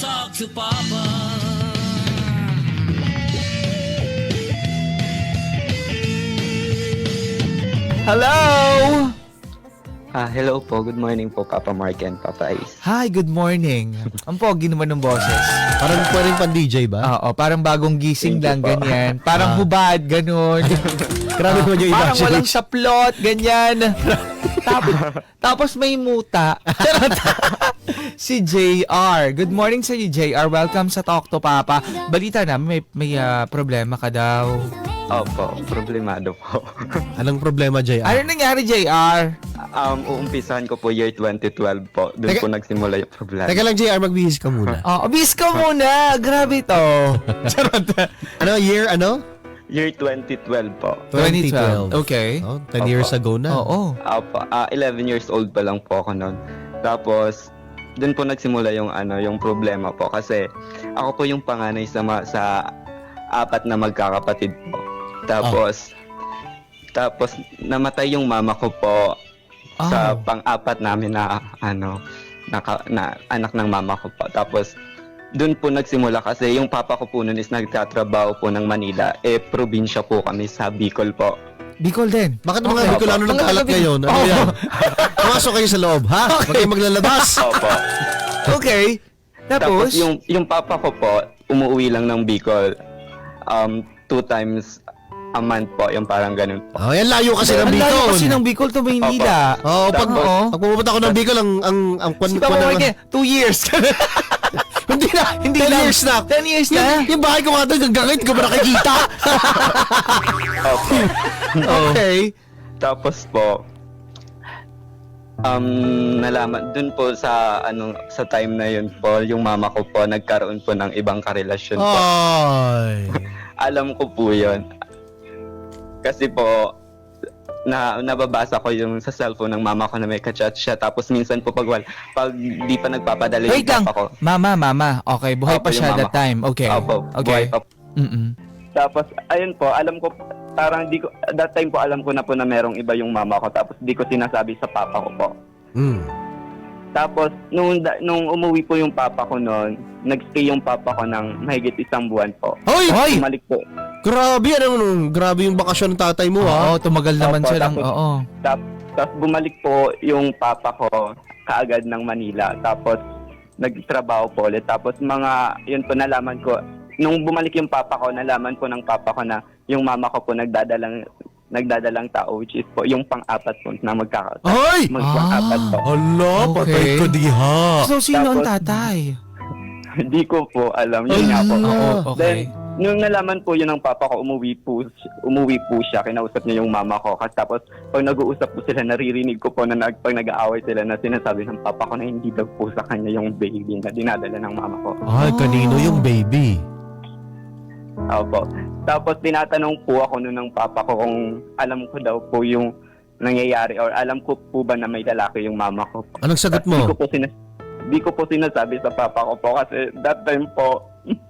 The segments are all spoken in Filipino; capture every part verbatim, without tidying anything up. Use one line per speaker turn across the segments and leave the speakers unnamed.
talk to Papa.
Hello!
Ah, hello po. Good morning po, Papa Mark and Papa Ice.
Hi, good morning. Ang pogi naman ng boses.
Parang pwedeng pan-D J ba?
Oo, parang bagong gising
Thank
lang,
you po.
ganyan. Parang
Ah.
hubad, ganun.
Grabe naman yung
Parang walang
imagination.
saplot, ganyan. tapos, tapos may muta. Charot. Si J R. Good morning sa iyo, J R. Welcome sa Talk to Papa. Balita na, may, may ah, problema ka daw.
Opo, problemado po.
Anong problema, J R?
Ano nangyari, J R?
um, uumpisahan ko po year twenty twelve po. Doon
Teka-
po nagsimula yung problema.
Teka lang, J R, magbihis ka muna.
Oh, bis ka muna. Grabe to. Charot.
Ano, year, ano?
Year twenty twelve po.
twenty twelve. Okay.
Oh, ten years ago na.
Oo.
Opo, ah, eleven years old pa lang po ako noon. Tapos, doon po nagsimula yung ano, yung problema po kasi ako po yung panganay sa ma- sa apat na magkakapatid po. Tapos tapos namatay yung mama ko po sa
Ah.
pang-apat namin na ano naka, na anak ng mama ko po. Tapos doon po nagsimula kasi yung papa ko po noon is nagtatrabaho po ng Manila. Eh, probinsya po kami sa Bicol po.
Bicol din.
Bakit mga
Okay.
Bicolano
Mga
nagkalat
taga-
ngayon? Ano
Oo.
yan? Pumasok kayo sa loob, ha? Huwag kayong maglalabas.
Opo.
Okay.
Tapos,
Tapos,
yung, yung papa ko po, umuwi lang ng Bicol um, two times a month po, yung parang ganun po.
Oh, yan layo kasi ng
ang layo
Bicol.
kasi ng Bicol to Maynila.
Oo, pag,
Oo.
pag pumunta ako ng Bicol, ang, ang, ang kwan,
Si Papa
kwan-
Mark, two years.
hindi na,
Hindi
ten
lang.
years na.
ten years
Yung,
na.
yung bahay ko nga doon, hanggang ngayon, hindi ko ba nakikita?
Opo.
Okay.
Tapos po, um, nalaman, dun po sa, ano, sa time na yun po, yung mama ko po, nagkaroon po ng ibang karelasyon po.
Ay.
Alam ko po yun. Kasi po, na nababasa ko yung sa cellphone ng mama ko na may kachat siya. Tapos minsan po pag, wal- pag di pa nagpapadala
Wait
yung
lang.
papa ko.
Mama, mama. Okay, buhay
Opo,
pa
yung
siya
mama
that
ko.
time. Okay.
Opo,
Okay.
buhay pa po.
Mm-mm.
Tapos, ayun po, alam ko, parang di ko, that time po alam ko na po na merong iba yung mama ko. Tapos di ko sinasabi sa papa ko po.
Mm.
Tapos, nung, da- nung umuwi po yung papa ko noon, nagstay yung papa ko ng mahigit isang buwan po.
Hoy!
Hoy!
Bumalik po.
Grabe, ano, ano, grabe yung bakasyon ng tatay mo, ha?
Oo, tumagal naman
Opo,
siya lang.
tapos-
Oo.
Tap- Tapos bumalik po yung papa ko kaagad ng Manila. Tapos nagtrabaho po ulit. Tapos mga, yun po nalaman ko, nung bumalik yung papa ko, nalaman po ng papa ko na yung mama ko po nagdadalang nagdadalang tao, which is po yung pang-apat po na magkaka
Hoy!
magpang-apat po.
Hala,
Okay.
patay ko diha.
So, sino ang
Tapos-
tatay?
Hindi ko po alam. Yun nga po.
Ala.
Oo, okay.
Then, nung nalaman po yun ng papa ko, umuwi po, umuwi po siya, kinausap niya yung mama ko. Kasi tapos, pag nag-uusap po sila, naririnig ko po na nag, pag nag-aaway sila na sinasabi ng papa ko na hindi daw po sa kanya yung baby na dinadala ng mama ko.
Ay, kanino yung baby?
Opo. Tapos, tinatanong po ako noon ng papa ko kung alam ko daw po yung nangyayari or alam ko po ba na may lalaki yung mama ko.
Anong sagot
Di
mo?
ko po sinas- di ko po sinasabi sa papa ko po kasi that time po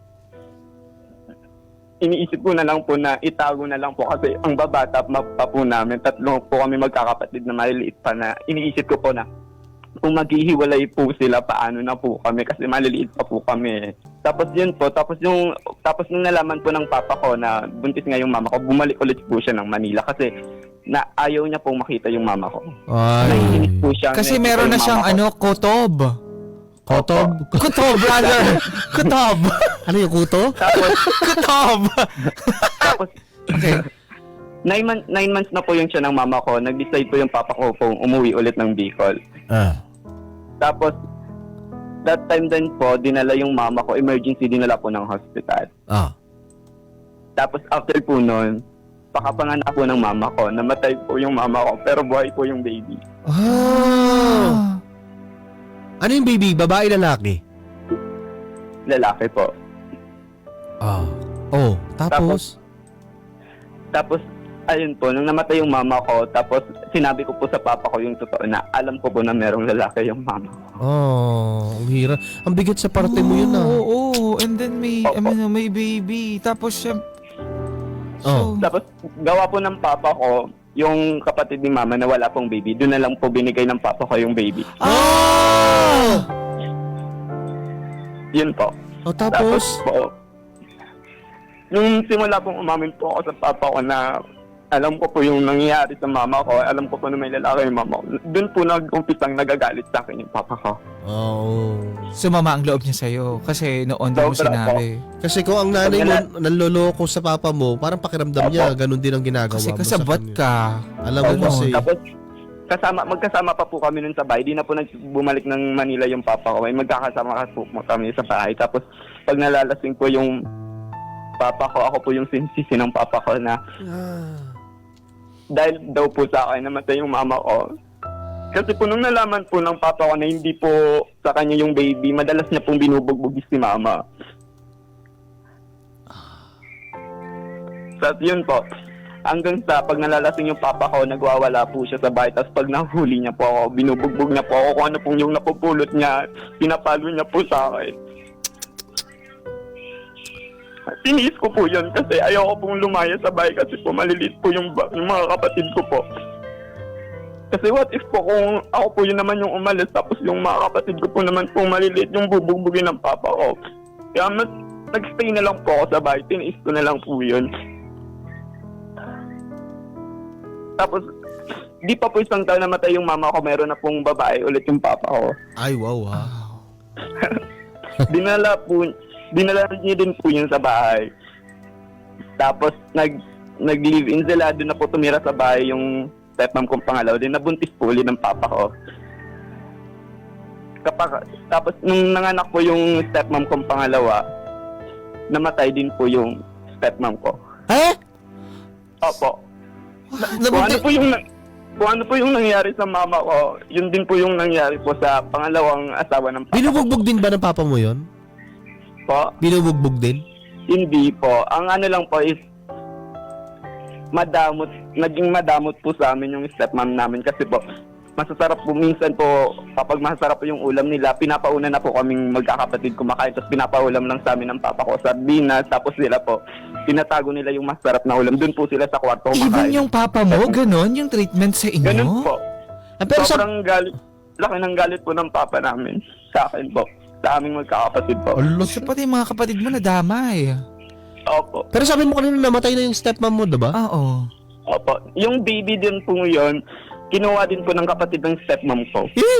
iniisip ko na lang po na itago na lang po kasi ang babata pa po namin, tatlo po kami magkakapatid na maliliit pa na iniisip ko po na kung maghihiwalay po sila, paano na po kami kasi maliliit pa po kami. Tapos yun po, tapos yung tapos nung nalaman po ng papa ko na buntis nga yung mama ko, bumalik ulit po siya ng Manila kasi na ayaw niya pong makita yung mama ko.
Ay.
Naiinis po siya.
Kasi
nakikita
meron na
yung
siyang
mama ko.
ano, kotob.
Kotob?
Kutob, brother. Kutob.
Ano yung kuto?
Tapos,
Kutob.
tapos,
Okay.
nine, months, nine months na po yung siya ng mama ko. Nag-decide po yung papa ko pong umuwi ulit ng Bicol.
Ah.
Tapos, that time din po, dinala yung mama ko, emergency dinala po ng hospital.
Ah.
Tapos, after po nun, pakapanganak po ng mama ko, namatay po yung mama ko, pero buhay po yung baby.
Ah. Ano yung baby? Babae, lalaki?
Lalaki po.
Ah. Oh, tapos?
Tapos, ayun po, nung namatay yung mama ko, tapos sinabi ko po sa papa ko yung totoo na alam ko po na merong lalaki yung mama ko.
Oh, ang hirap. Ang bigat sa parte mo yun, ah.
Oo, oo. And then may, I
Opo.
mean, may baby. Tapos siya...
Oh.
Tapos, gawa po ng papa ko, yung kapatid ni mama na wala pong baby, doon na lang po binigay ng papa ko yung baby.
Ah!
Yun po.
O tapos,
po, nung simula pong umamin po ako sa papa ko na alam ko po yung nangyayari sa mama ko, alam ko po na may lalaki yung mama ko, doon po nag-umpisang nagagalit sa akin yung papa ko.
oh.
Sumama ang loob niya sa'yo kasi noon din mo
Sobra
sinabi.
Kasi kung ang nanay mo nanloloko sa papa mo, parang pakiramdam niya, ganun din ang ginagawa
Kasi
mo sa
kasabot
kanya.
ka.
Alam mo
Ano?
kasi,
Tapos, kasama, magkasama pa po kami nun sa bahay. Di na po nagbumalik ng Manila yung papa ko. Ay magkakasama ka po kami sa bahay. Tapos, pag nalalasing po yung papa ko, ako po yung sinisisi ng papa ko na
ah,
dahil daw po sa akin namatay yung mama ko. Kasi po nung nalaman po ng papa ko na hindi po sa kanya yung baby, madalas niya pong binubugbog si mama. So, yun po. Hanggang sa pag nalalasing yung papa ko, nagwawala po siya sa bahay. Tapos pag nahuli niya po ako, binubugbog niya po ako kung ano pong yung napupulot niya, pinapalo niya po sa akin. Tiniis ko po yun kasi ayoko pong lumaya sa bahay kasi po maliliit po yung, ba- yung mga kapatid ko po. Kasi what if po kung ako po yun naman yung umalis tapos yung mga kapatid ko po naman po maliliit yung bubugbugin ng papa ko. Kaya mas nag-stay na lang po ako sa bahay, tiniis ko na lang po yun. Tapos, di pa po isang taon namatay yung mama ko, meron na pong babae ulit yung papa ko.
ay wow ha.
Dinala po, dinala niya din po yun sa bahay. Tapos nag nag-live-in sila, doon na po tumira sa bahay yung stepmom kong pangalawa. Din nabuntis po ulit ng papa ko. Kapag, tapos nung nanganak po yung stepmom kong pangalawa, namatay din po yung stepmom ko.
Eh?
Opo. Kung ano
Nabunti,
po yung na- kung ano po yung nangyari sa mama ko, yun din po yung nangyari po sa pangalawang asawa ng papa
binubugbog din ba ng papa mo yon?
ko.
Binubugbog din?
Hindi po. Ang ano lang po is madamot, naging madamot po sa amin yung stepmom namin kasi po masasarap po minsan po kapag masasarap po yung ulam nila, pinapauna na po kaming magkakapatid kumakain tapos pinapaulam lang sa amin ng papa ko sardinas tapos sila po tinatago nila yung masarap na ulam. Doon po sila sa kwarto
Even
kumakain.
yung papa mo, ganon yung treatment sa inyo?
Ganun po.
Ah, pero sa,
Sobrang galit, laki ng galit po ng papa namin sa akin po. Sa aming magkakapatid po.
Alos.
So pati yung mga kapatid mo nadamay.
Opo.
Pero sabi mo kanina namatay na yung stepmom mo, diba?
Oo.
Opo. Yung baby din po yun, kinuha din po ng kapatid ng stepmom ko.
Eh?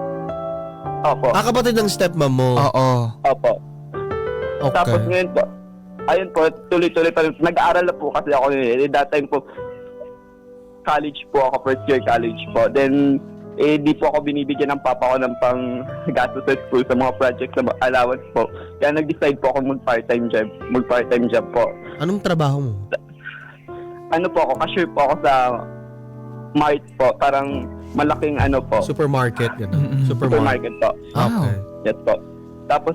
Opo.
Ah, kapatid ng stepmom mo.
Oo.
Opo. Tapos
Okay.
ngayon po, ayun po, tuloy-tuloy pa rin. Nag-aaral na po kasi ako eh. That time po, college po ako, first year college po. Then, eh, di po ako binibigyan ng papa ko ng pang gastos sa school sa mga projects na allowance po. Kaya nag-decide po ako mag-part-time job, mag-part-time job po.
Anong trabaho mo?
Ano po ako, cashier po ako sa Mart po, parang malaking ano po,
Supermarket, gano'n.
Mm-mm.
Supermarket.
supermarket po.
Okay.
Yes po. Tapos,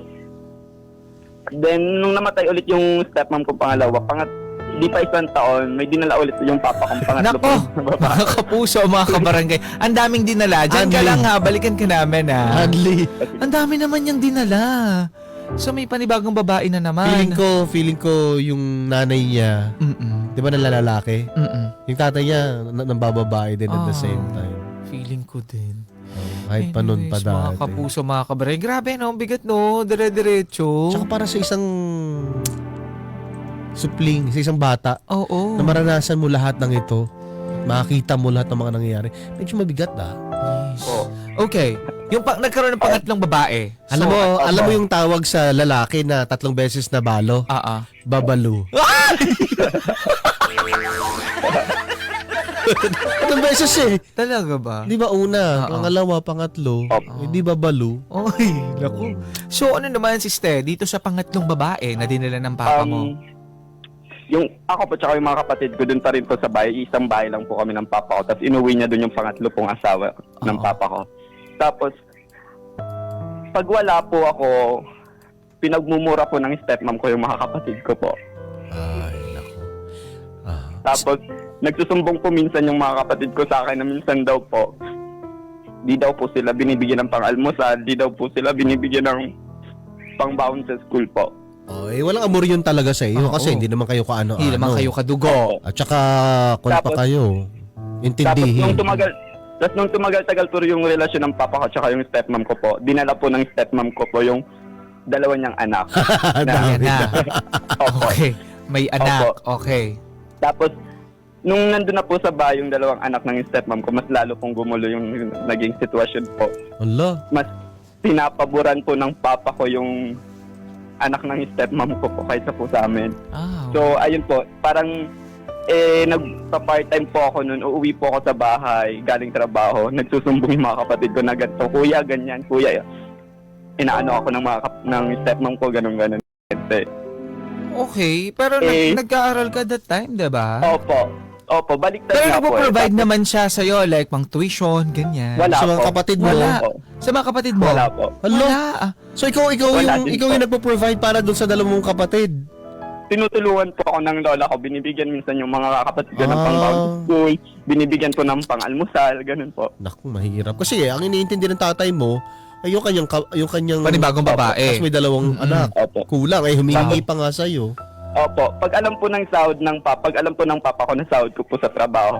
then, nung namatay ulit yung stepmom ko pangalawa, pangat, di pa isang taon, may dinala ulit yung papa kong pangatlo
Nako,
po.
mga kapuso, mga kabarangay. Ang daming dinala. Diyan ka
Anli.
lang ha, balikan ka namin ha.
Hadley.
Ang dami naman yung dinala. So may panibagong babae na naman.
Feeling ko, feeling ko yung nanay niya,
Mm-mm.
di ba nalalaki?
Mm-mm.
Yung tatay niya, n- nambababae din at the
Ah.
same time.
Feeling ko din.
Oh, kahit pa nun pa
Anyways, mga
dati.
kapuso, mga kabarangay. Grabe no, bigat no, dire-diretso.
Tsaka para sa isang supling, sa isang bata,
Oo.
na maranasan mo lahat ng ito, makakita mo lahat ng mga nangyayari, medyo mabigat ah.
Yes.
Po.
Okay. Yung pa- nagkaroon ng pangatlong babae.
Alam
So,
mo,
opo.
alam mo yung tawag sa lalaki na tatlong beses na balo?
Ah, ah.
Babalu. Tatlong beses eh.
Talaga ba?
Di ba una,
Oo.
pangalawa, pangatlo,
Opo.
hindi ba balu?
Oy, naku. So ano naman si Ste, dito sa pangatlong babae na dinala ng papa mo?
Um, yung ako po tsaka yung mga kapatid ko dun pa rin po sa bahay, isang bahay lang po kami ng papa ko. Tapos inuwi niya dun yung pangatlo pong asawa ng
Oo.
papa ko. Tapos, pag wala po ako, pinagmumura po ng stepmom ko yung mga kapatid ko po.
Ay, naku. Ah.
Tapos, nagsusumbong po minsan yung mga kapatid ko sa akin na minsan daw po, di daw po sila binibigyan ng pang-almusal, di daw po sila binibigyan ng pang-bound sa school po.
Oh, eh, walang amor yun talaga sa iyo
Oo.
kasi hindi naman kayo kaano-ano.
Hindi naman kayo kadugo.
At saka, kung pa
Tapos-
kayo,
Tapos,
intindihin.
nung tumagal, tapos nung tumagal-tagal po yung relasyon ng papa ko tsaka yung stepmom ko po, dinala po ng stepmom ko po yung dalawa niyang anak.
May
Dami
anak.
Opo.
Okay. May anak. Okay.
Tapos, nung nandun na po sa bahay yung dalawang anak ng stepmom ko, mas lalo pong gumulo yung, yung naging sitwasyon po.
Allah.
Mas pinapaboran po ng papa ko yung anak ng stepmom ko po kaysa po sa amin.
Ah,
So, ayun po, parang eh, nagpa-part-time po ako noon, uuwi po ako sa bahay, galing trabaho, nagsusumbong yung mga kapatid ko na ganito, kuya, ganyan, kuya, inaano ako ng mga kap- ng stepmom ko, ganun ganun.
okay. Pero nag-
Eh,
nag-aaral ka that time, di ba?
Opo. Opo, baliktad
Pero
nga po.
nagpo-provide
eh.
naman siya sa'yo, like pang tuition, ganyan.
Wala
Sa mga
po.
kapatid mo.
Wala.
Po.
Sa mga kapatid mo?
Wala po.
Hello?
Wala. Ah,
So ikaw ikaw
Wala
yung
din
ikaw
po.
yung nagpo-provide para doon sa dalawang mong kapatid.
Tinutulungan po ako ng lola ko. Binibigyan minsan yung mga kapatid ko ng
Ah.
pang school. Binibigyan ko ng pang-almusal. Ganun po.
Naku, mahirap. Kasi ang iniintindi ng tatay mo ay yung kanyang ka- yung kanyang
Panibagong babae.
Tapos may dalawang
Mm-mm.
anak.
Opo.
Kulang ay humihingi pa nga sa iyo.
Opo. Pag alam po ng sahod ng papa, pag alam po ng papa ko na sahod ko po sa trabaho,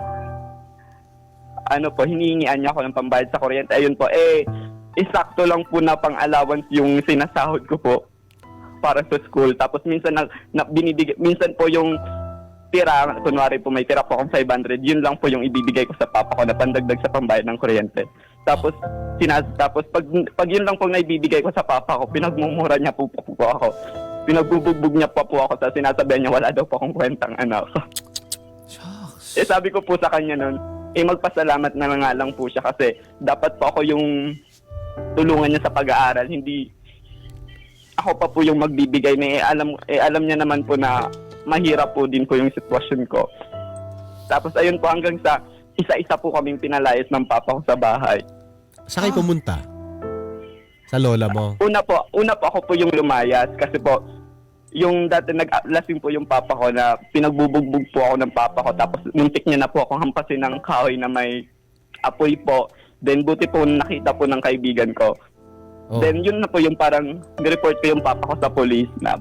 ano po, hinihingian niya ako ng pambayad sa kuryente. Ayun po, eh, isakto lang po na pang-allowance yung sinasahod ko po para sa school. Tapos minsan na, na binibigay, minsan po yung tira, kunwari po may tira po akong five hundred, yun lang po yung ibibigay ko sa papa ko na pandagdag sa pambayad ng kuryente. Tapos sinas tapos pag pag yun lang po na ibibigay ko sa papa ko, pinagmumura niya po, po, po ako. Pinagbubugbog niya pa po ako sa sinasabihan niya wala daw po akong kwentang anak.
shucks.
Eh sabi ko po sa kanya noon, eh magpasalamat na nga lang po siya kasi dapat po ako yung tulungan niya sa pag-aaral, hindi ako pa po yung magbibigay na eh, alam eh, alam niya naman po na mahirap po din po yung sitwasyon ko. Tapos ayun po hanggang sa isa-isa po kaming pinalayas ng papa ko sa bahay.
Saan kayo
Ah.
pumunta? Sa lola mo.
Una po, una po ako po yung lumayas kasi po yung dati nag-lasing po yung papa ko na pinagbubugbog po ako ng papa ko tapos muntik niya na po akong hampasin ng kahoy na may apoy po. Then buti po nakita po ng kaibigan ko.
Oh.
Then yun na po yung parang nireport ko yung papa ko sa police na.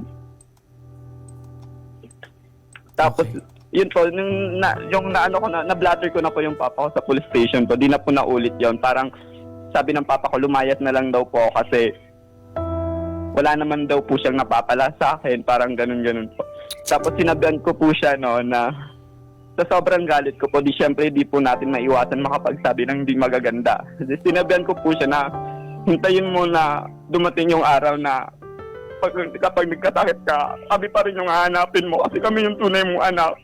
Tapos
Okay.
yun po, nung na, yung naano ko na, na-blatter ko na po yung papa ko sa police station po. Di na po naulit yon. Parang sabi ng papa ko, lumayas na lang daw po ako kasi wala naman daw po siyang napapala sa akin. Parang ganun-ganun po. Tapos sinabihan ko po siya no, na sa sobrang galit ko po, di syempre di po natin maiwasan makapagsabi ng hindi magaganda. Kasi sinabihan ko po siya na hintayin mo na dumating yung araw na pag, kapag nagkasakit ka, kami pa rin yung hahanapin mo kasi kami yung tunay mong anak.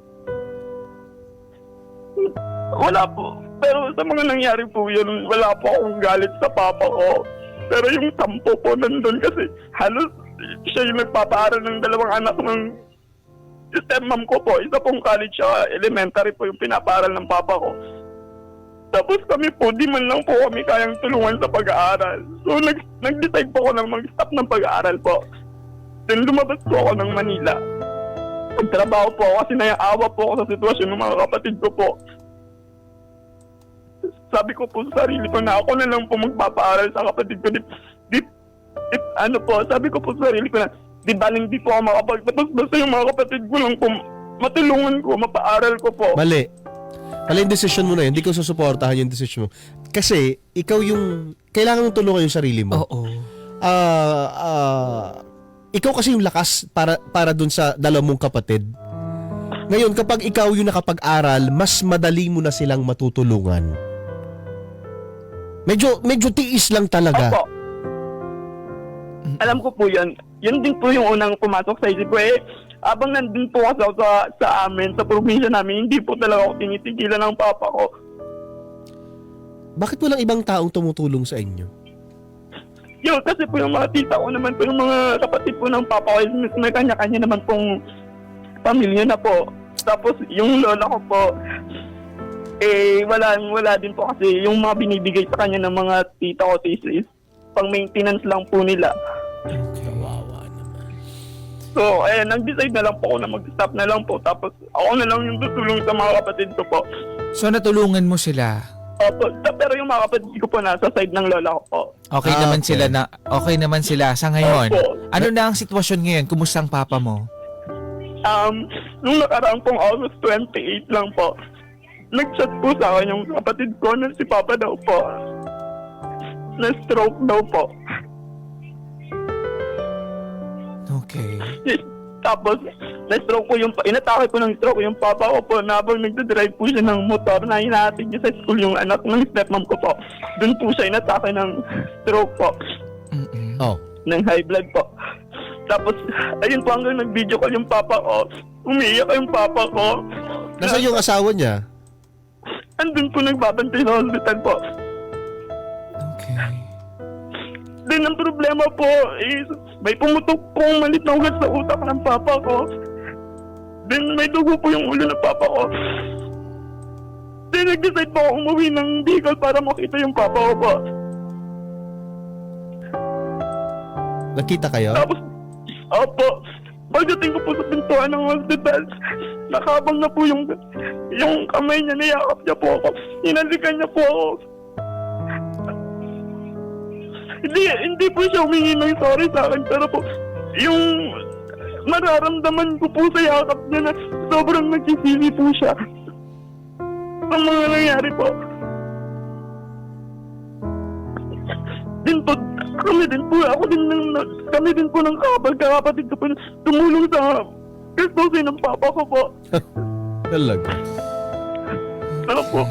Wala po. Pero sa mga nangyari po yun, wala po akong galit sa papa ko. Pero yung sampo po nandun kasi halos siya yung nagpapaaral ng dalawang anak ng stepmom ko po. Isa pong college siya, elementary po yung pinapaaral ng papa ko. Tapos kami po, di man lang po kami kayang tulungan sa pag-aaral. So nag, nag-decide po ako na mag-stop ng pag-aaral po. Then lumabas po ako ng Manila. Magtrabaho po ako kasi naiawa po ako sa sitwasyon ng mga kapatid ko po. Sabi ko po sa sarili ko na ako na lang po magpapaaral sa kapatid ko. Di, di, di, ano po, sabi ko po sa sarili ko na di baling di po ako makapagtapos basta yung mga kapatid ko lang po matulungan ko, mapaaral ko po.
Mali. Mali yung decision mo na yun. Hindi ko susuportahan yung decision mo. Kasi, ikaw yung, kailangan mong tulungan yung sarili mo.
Oo.
Ah, ah, ikaw kasi yung lakas para, para dun sa dalawang mong kapatid. Ngayon, kapag ikaw yung nakapag-aral, mas madali mo na silang matutulungan. Medyo, medyo tiis lang talaga.
Opo. Alam ko po yun. Yun din po yung unang pumasok sa isip ko eh. Abang nandun po kasi ako sa, sa amin, sa probinsya namin, hindi po talaga ako tinitigilan ng papa ko.
Bakit walang ibang taong tumutulong sa inyo?
Yun, kasi po yung mga tita ko naman po, yung mga kapatid po ng papa ko, may kanya-kanya naman pong pamilya na po. Tapos yung lola ko po, eh wala, wala din po kasi yung mga binibigay sa kanya ng mga tita ko, tis, is pang maintenance lang po nila.
Kawawa naman.
So, eh, nag-decide na lang po ako na mag-stop na lang po. Tapos ako na lang yung tutulong sa mga kapatid ko po.
So, natulungan mo sila.
Opo, pero yung mga kapatid ko po nasa side ng lola ko po.
Okay
Ah,
naman
okay.
sila na okay naman sila sa ngayon.
Opo.
Ano na ang sitwasyon ngayon? Kumusta ang papa mo?
Um, nung nakaraang pong August twenty-eight lang po, nag-chat po sa akin yung kapatid ko na si Papa daw po. Na-stroke daw po.
Okay.
Tapos, na-stroke ko yung, inatake ko ng stroke yung papa ko po na habang nagdadrive po siya ng motor na hinahatid niya sa school yung anak ng stepmom ko po. Doon po siya inatake ng stroke po,
Mm-mm.
Oh.
ng high blood po. Tapos, ayun po hanggang nag-video call yung papa ko. Umiiyak yung papa ko.
Nasaan yung asawa niya?
Andun po nagbabantay sa hospital po.
Okay.
Then ang problema po is may pumutok pong malit na ugat sa utak ng papa ko. Then may dugo po yung ulo ng papa ko. Then nag-decide po ako umuwi ng Bicol para makita yung papa ko po.
Nakita kayo?
Tapos, opo, pagdating ko po sa pintuan ng hospital, nakabang na po yung, yung kamay niya, niyakap niya po ako. Hinalikan niya po ako. Hindi, hindi po siya humingi ng sorry sa akin, pero po, yung mararamdaman ko po sa yakap niya na sobrang nagsisisi po siya. Ang mga nangyari po. Din po, kami din po, ako din, ng, kami din po ng kapag-kapatid ko po tumulong sa gastusin ng papa ko po.
Talaga.
Ano po?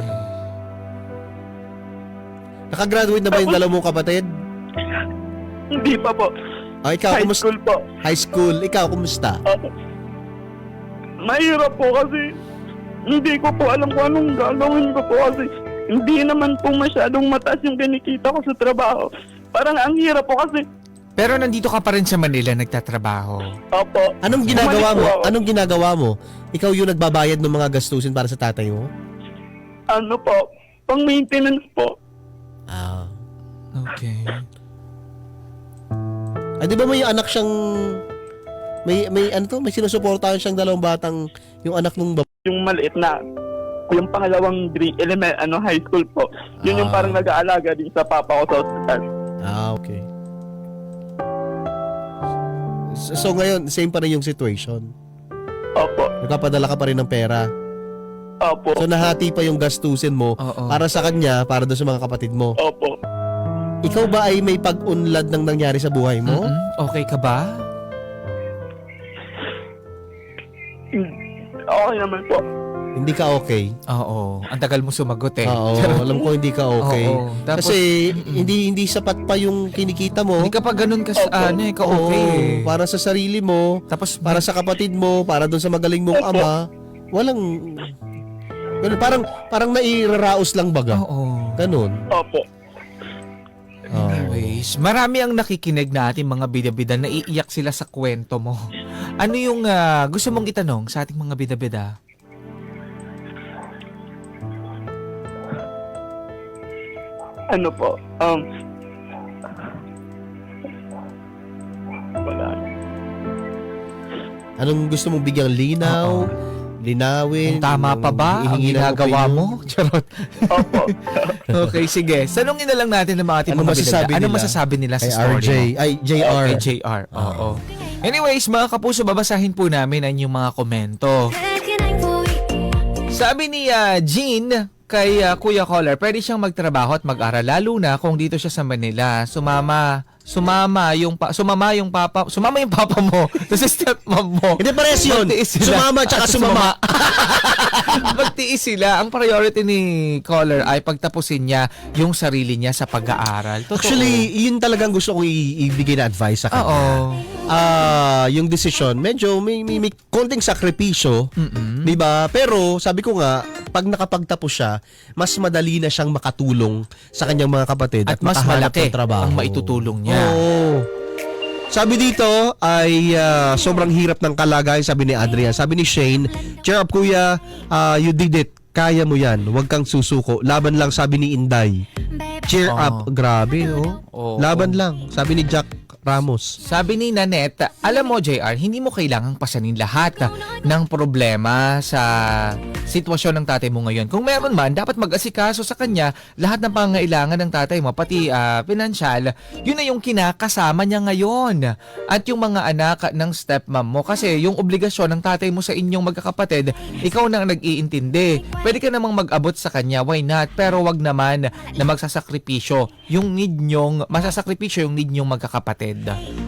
Nakagraduate na ba yung dalawa mong kapatid?
Hindi pa po.
Ah, ikaw,
High
kumusta?
school po.
High school. Ikaw, kumusta?
Opo. Mahirap po kasi hindi ko po alam kung anong gagawin ko po kasi hindi naman po masyadong mataas yung kinikita ko sa trabaho. Parang ang hirap po kasi.
Pero nandito ka pa rin sa Manila nagtatrabaho.
Opo.
Anong ginagawa
Bumalik
mo?
po ako.
Anong ginagawa mo? Ikaw yung nagbabayad ng mga gastusin para sa tatay mo?
Ano po? Pang maintenance po.
Ah.
Okay.
Ay, di ba may anak siyang may may ano to, may sinusuportahan siyang dalawang batang yung anak nung bab-
Yung maliit na yung pangalawang grade element ano high school po. Yun yung
Ah.
parang nag-aalaga din sa papa ko sa hospital.
Ah, okay. So, so ngayon, same pa rin yung situation.
Opo.
Nagpapadala ka pa rin ng pera.
Opo.
So nahati pa yung gastusin mo
Oo.
para sa kanya, para doon sa mga kapatid mo.
Opo.
Ikaw ba ay may pag-unlad ng nangyari sa buhay mo?
Mm-mm. Okay ka ba?
Okay naman po.
Hindi ka okay.
Oo. Ang tagal mo sumagot eh.
Oo, alam ko hindi ka okay.
Oo. Tapos,
Kasi hindi hindi sapat pa yung kinikita mo.
hindi ka pa ganun ka
Opo.
ano eh, ka
Oo,
okay eh.
para sa sarili mo,
Tapos,
para sa kapatid mo, para doon sa magaling mong
Opo.
ama. Walang ganun, parang parang nairaraos lang baga.
Oo.
Ganun.
Opo.
Oo.
Anyways, marami ang nakikinig na ating mga bida-bida na iiyak sila sa kwento mo. Ano yung ah, gusto mong itanong sa ating mga bida-bida?
Ano po? Um Wala.
Anong gusto mong bigyang linaw? Linawin?
Kung tama pa ba ang
Ihingi ng
ginagawa
opinion?
mo? Charot.
Opo.
Okay, sige. Sanungin na lang natin ng mga ating
Ano
mga
masasabi
bida-bida. Ano
nila?
masasabi nila sa
Kay
story
R J.
mo?
Ay, J R.
Kay J R. Oo. Anyways, mga kapuso, babasahin po namin ang inyong mga komento. Sabi ni ah, Jean kay ah, Kuya Caller, pwede siyang magtrabaho at mag-aral lalo na kung dito siya sa Manila. Sumama, sumama yung pa, sumama yung papa, sumama yung papa mo sa stepmom mo.
Hindi pares yun.
Magtiis sila.
Sumama tsaka
At
sumama.
Magtiis sila. Ang priority ni Caller ay pagtapusin niya yung sarili niya sa pag-aaral. Totoo.
Actually, yun talagang gusto kong i- ibigay na advice sa kanya.
oo.
Ah, yung decision, medyo may, may, may konting sakripisyo,
Mm-mm.
'di ba? Pero sabi ko nga, pag nakapagtapos siya, mas madali na siyang makatulong sa kanyang mga kapatid at,
At mas
makahanap
malaki
ng trabaho.
ang maitutulong niya.
Oo. Sabi dito ay ah, sobrang hirap ng kalagayan, sabi ni Adrian. Sabi ni Shane, cheer up kuya, ah, you did it. Kaya mo yan. Huwag kang susuko. Laban lang, sabi ni Inday. Cheer
Oh.
up. Grabe, oh.
Oo.
Laban lang, sabi ni Jack Ramos.
Sabi ni Nanette, alam mo J R, hindi mo kailangang pasanin lahat ng problema sa sitwasyon ng tatay mo ngayon. Kung meron man, dapat mag-asikaso sa kanya lahat ng pangailangan ng tatay mo, pati ah, pinansyal. Yun na yung kinakasama niya ngayon. At yung mga anak ng stepmom mo. Kasi yung obligasyon ng tatay mo sa inyong magkakapatid, ikaw na ang nag-iintindi. Pwede ka namang mag-abot sa kanya, why not? Pero wag naman na magsasakripisyo yung need nyong, masasakripisyo yung need nyong magkakapatid.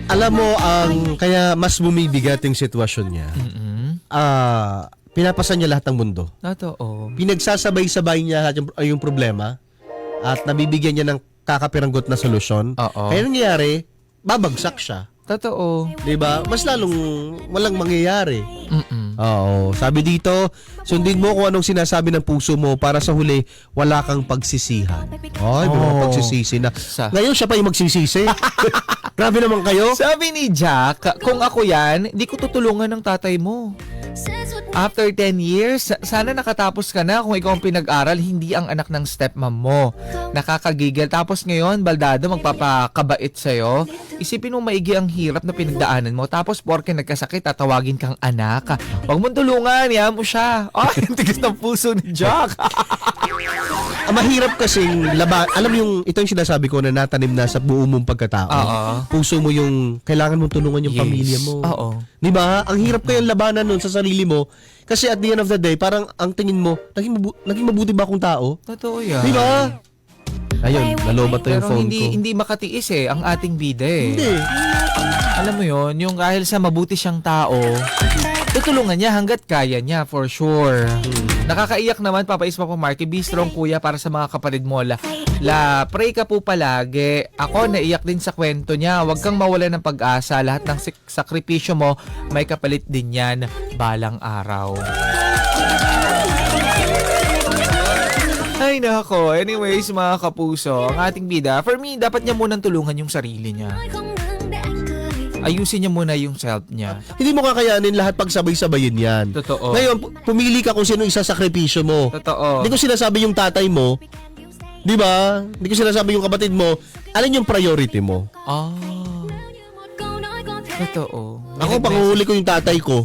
Alam mo, ang kaya mas bumibigat yung sitwasyon niya.
Mm-mm.
Ah, pinapasan niya lahat ng mundo.
Totoo.
Pinagsasabay-sabay niya lahat yung, yung problema at nabibigyan niya ng kakapiranggot na solusyon.
Oo.
Kaya nangyayari, babagsak siya.
Totoo.
'Di ba? Mas lalong walang mangyayari.
Mm-mm.
Oo. Sabi dito, sundin mo kung anong sinasabi ng puso mo para sa huli, wala kang pagsisihan. Ay, may mga
Oh.
pagsisisi na.
Sa-
Ngayon siya pa yung magsisisi. Grabe naman kayo.
Sabi ni Jack, kung ako yan, hindi ko tutulungan ng tatay mo. After ten years, sa- sana nakatapos ka na kung ikaw ang pinag-aral, hindi ang anak ng stepmom mo. Nakakagigil. Tapos ngayon, baldado, magpapakabait sa'yo. Isipin mo maigi ang hirap na pinagdaanan mo. Tapos porke nagkasakit, tatawagin kang anak. Huwag mong tulungan, yan mo siya. Ay, ang tigas ng puso ni Jack.
Ang mahirap kasing laba, alam yung ito yung sinasabi ko na natanim na sa buo mong pagkatao.
Oo.
Puso mo yung kailangan mong tulungan yung
Yes.
pamilya mo.
Oo.
'Di ba? Ang hirap kayang labanan nun sa sarili mo kasi at the end of the day, parang ang tingin mo, naging, mabu- naging mabuti ba akong tao?
Totoo yan.
'Di ba? Ayun, nalobat to yung
Pero
phone
hindi
ko.
hindi makatiis eh ang ating bida eh.
Hindi.
Alam mo yon, yung dahil sa mabuti siyang tao, tutulungan niya hanggat kaya niya, for sure. Nakakaiyak naman, Papa Isma po Marky. Be strong, kuya, para sa mga kapatid mo. La, la, pray ka po palagi. Ako, naiyak din sa kwento niya. Huwag kang mawala ng pag-asa. Lahat ng sik- sakripisyo mo, may kapalit din yan balang araw. Ay, nako. Anyways, mga kapuso, ang ating bida, for me, dapat niya munang tulungan yung sarili niya. Ayusin niya muna yung self niya.
Hindi mo kakayanin lahat pagsabay-sabayin yan.
Totoo.
Ngayon, pu- pumili ka kung sino isasakripisyo mo.
Totoo.
Hindi ko sinasabi yung tatay mo. 'Di ba? Hindi ko sinasabi yung kapatid mo. Alin yung priority mo?
Ah. Totoo.
Ako, panguhuli ko yung tatay ko.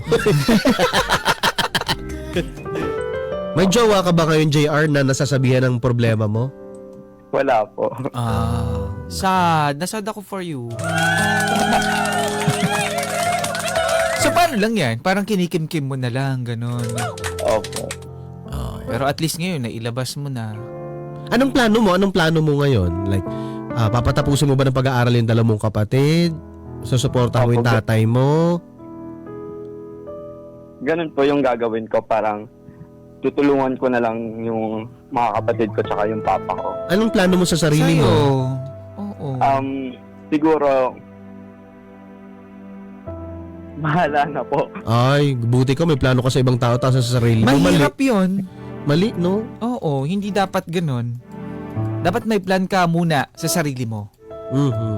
May jowa ka ba ngayon, J R, na nasasabihan ng problema mo?
Wala po.
Ah. Sad. Nasad ako for you. So, paano lang yan? Parang kinikim-kim mo na lang, ganun.
Opo.
Ah, pero at least ngayon, nailabas mo na.
Anong plano mo? Anong plano mo ngayon? Like, ah, papatapusin mo ba ng pag-aaral yung dala mong kapatid? Susuportahan mo yung
Opo.
tatay mo?
Ganun po yung gagawin ko. Parang tutulungan ko na lang yung mga kapatid ko tsaka yung papa ko.
Anong plano mo sa sarili
Sa'yo.
mo?
Oo.
Um, siguro, bahala na po.
Ay, buti ka. May plano ka sa ibang tao tapos sa sarili mo. Mali.
Mahirap yun.
Mali, no?
Oo, hindi dapat ganun. Dapat may plan ka muna sa sarili mo.
Mhm.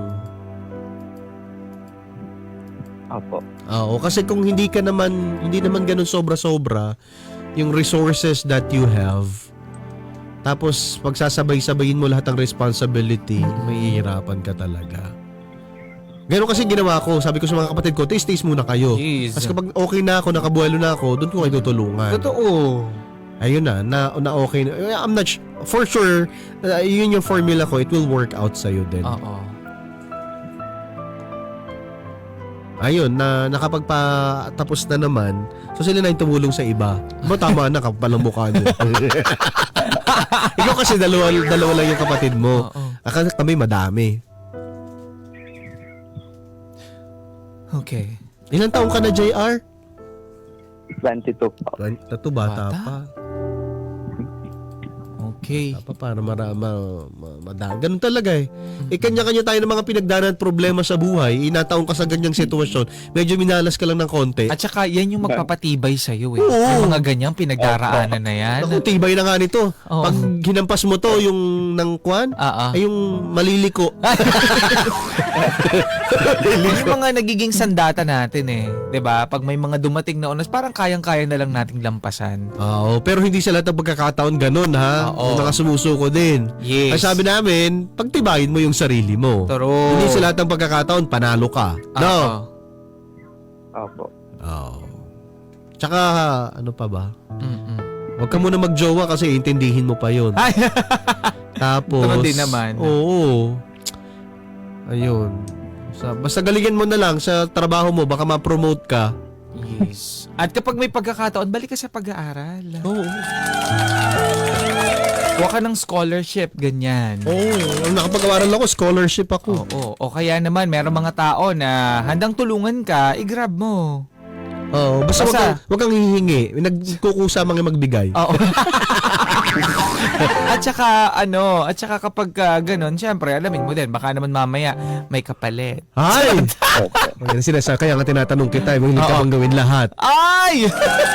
Opo.
Oo, kasi kung hindi ka naman, hindi naman ganun sobra-sobra, yung resources that you have, tapos pagsasabay-sabayin mo lahat ng responsibility, mahihirapan ka talaga. Ganun kasi ginawa ko. Sabi ko sa mga kapatid ko, taste-taste muna kayo.
Jeez.
Tapos kapag okay na ako, nakabuelo na ako, doon ko kayo tutulungan.
Totoo.
Ayun na, na, na okay na. I'm not sh- for sure, uh, yun yung formula ko, it will work out sa'yo din.
Oo.
Ayun, na nakapagpatapos na naman, so sila na yung tumulong sa iba. Ba, tama na, kapalang mukha niyo. Ikaw kasi dalawa, dalawa lang yung kapatid mo.
Oo.
Akala kami madami.
Okay.
Ilang taong ka na, J R?
twenty-two po.
Tato, bata,
Bata?
pa.
Okay.
Bata pa, para marama, ma, madami. Ganun talaga eh. Eh, kanya-kanya tayo ng mga pinagdaanan at problema sa buhay. Inataong ka sa ganyang sitwasyon. Medyo minalas ka lang ng konti.
At saka, yan yung magpapatibay sa'yo eh.
Oo.
Yung mga ganyang pinagdaraanan na yan.
Naku, tibay na nga nito.
Oo.
Pag hinampas mo to, yung ng kwan,
Ah, ah.
ay yung maliliko.
Yan yung mga nagiging sandata natin eh. 'Di ba? Pag may mga dumating na oras, parang kayang-kaya na lang nating lampasan.
Oo, pero hindi sa lahat ng pagkakataon ganun, ha?
Oo.
May mga sumusuko din.
Yes.
Ay sabi namin, pagtibayin mo yung sarili mo.
True.
Hindi sa lahat ng pagkakataon, panalo ka. No?
Oo.
Opo.
Oo. Tsaka, ano pa ba?
Mm-mm.
Huwag ka muna magjowa kasi intindihin mo pa yun.
Ay,
Tapos,
True din naman.
Oo. Ayun. Sa, basta galingan mo na lang sa trabaho mo, baka ma-promote ka.
yes. At kapag may pagkakataon, balik ka sa pag-aaral.
Oo.
Kuha ka ng scholarship, ganyan.
Oo, oh, nakapag-awaran ako, scholarship ako.
Oo. O kaya naman, meron mga tao na handang tulungan ka, i-grab mo.
Oo, basta,
Basta-
wag kang, wag kang hihingi. Nagkukusa mga magbigay.
Oo. At saka, ano, at saka kapag uh, ganun, syempre, alamin mo din, baka naman mamaya may kapalit.
Ay!
Opo.
Yan sinasabi, kaya nga tinatanong kita, hindi ka
Oo.
bang gawin lahat?
Ay!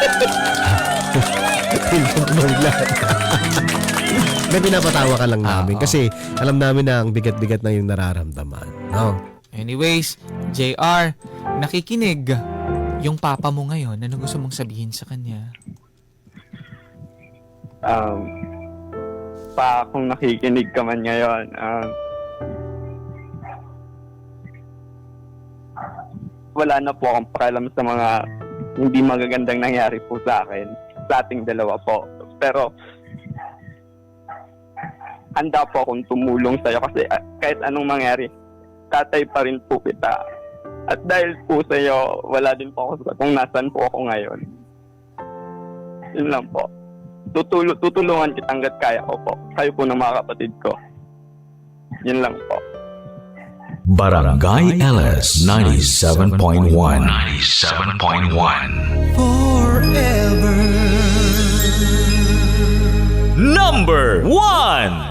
Hindi ka bang gawin lahat? May pinapatawa ka lang namin
Oo.
kasi alam namin na ang bigat-bigat na yung nararamdaman. No?
Anyways, J R, nakikinig yung papa mo ngayon. Ano gusto mong sabihin sa kanya?
Um, pa kung nakikinig ka man ngayon, um, wala na po akong pakialam sa mga hindi magagandang nangyari po sa akin, sa ating dalawa po. Pero, handa po akong tumulong sa'yo kasi ah, kahit anong mangyari, tatay pa rin po kita. At dahil po sa'yo, wala din po ako sa kung nasan po ako ngayon. Yun lang po. Tutul- tutulungan kita hanggat kaya ko po. Kayo po ng mga kapatid ko. Yun lang po.
Barangay L S ninety-seven point one. ninety-seven point one. Number one.